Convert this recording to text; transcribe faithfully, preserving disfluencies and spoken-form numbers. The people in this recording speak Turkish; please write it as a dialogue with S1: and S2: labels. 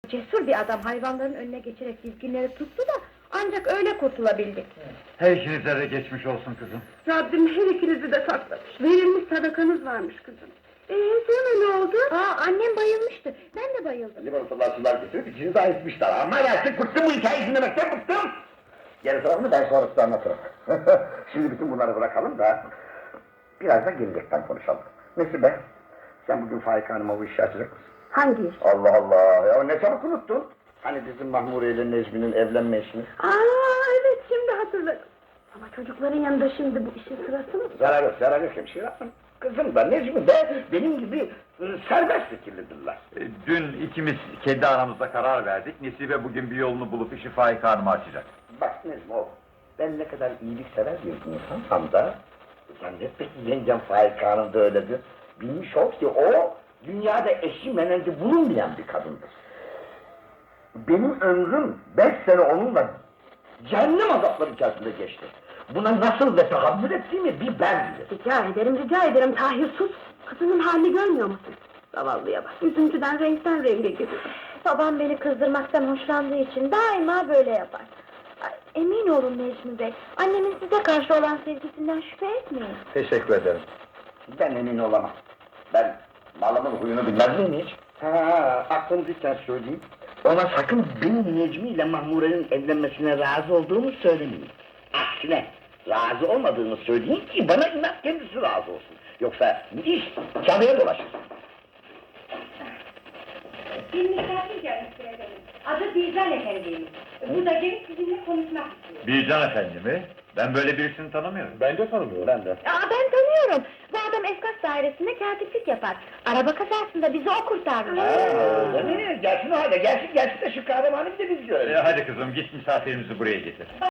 S1: Cesur bir adam hayvanların önüne geçerek dizginleri tuttu da ancak öyle kurtulabildik.
S2: Her ikinize de geçmiş olsun kızım.
S1: Rabbim her ikinizi de saklamış. Verilmiş sadakanız varmış kızım. Ee, sonra ne oldu? Aa, annem bayılmıştı. Ben de bayıldım.
S3: Limonatalar sular getirip içini daha etmişler ama artık bıktım bu hikayeyi dinlemekten bıktım! Geri tarafını ben sonra size anlatırım. Şimdi bütün bunları bırakalım da biraz da gelecekten konuşalım. Nesibe, sen bugün Faika Hanım'a bu işi açacak mısın?
S1: Hangi iş?
S3: Allah Allah! Ya ne çabuk unuttun? Hani bizim Mahmure ile Necmi'nin evlenme işini?
S1: Aa, evet şimdi hatırladım. Ama çocukların yanında şimdi bu işin sırası mı?
S3: Zarar yok, zarar yok hemşire hanım. Kızım da Necmi de benim gibi e, serbest fikirlidirler.
S2: E, Dün ikimiz kendi aramızda karar verdik. Nesibe bugün bir yolunu bulup işi Faik Hanım'a açacak.
S3: Bak Necmi oğlum, ben ne kadar iyiliksever bir insansam da zannetme ki yengem Faik Hanım da öyledir. Bilmiş ol ki o, dünyada eşi menenci bulunmayan bir kadındır. Benim ömrüm beş sene onunla cehennem azapları içerisinde geçti. Buna nasıl ve tahammül ettiğimi bir ben bilirim.
S1: Rica ederim, rica ederim Tahir sus! Kızının halini görmüyor musun? Zavallıya bak, üzüntüden renkten renge gidiyor. Babam beni kızdırmaktan hoşlandığı için daima böyle yapar. Ay, emin olun Necmi Bey, annemin size karşı olan sevgisinden şüphe etmeyin.
S2: Teşekkür ederim.
S3: Ben emin olamam. Ben malımın huyunu bilmez miyim hiç? Ha, aklımdayken söyleyeyim. Ona sakın benim Necmi ile Mahmure'nin evlenmesine razı olduğumu söylemeyin. Aksine razı olmadığını söyleyin ki bana inat kendisi razı olsun. Yoksa iş çabaya dolaşır.
S4: Bir misafir gelmiş efendim. Adı Bircan Efendi'ymiş. Bu da gelip sizinle konuşmak istiyor.
S2: Bircan Efendi mi? Ben böyle birisini tanımıyorum.
S3: Ben de tanımıyorum. Ben de.
S1: Aa, ben tanıyorum, bu adam Efkas dairesinde katiplik yapar. Araba kazasında bizi o kurtarmış.
S3: Aa, değil mi? Gelsin o halde, gelsin gelsin de şu kahramanı bir de biz görelim.
S2: E, hadi kızım git misafirimizi buraya getir.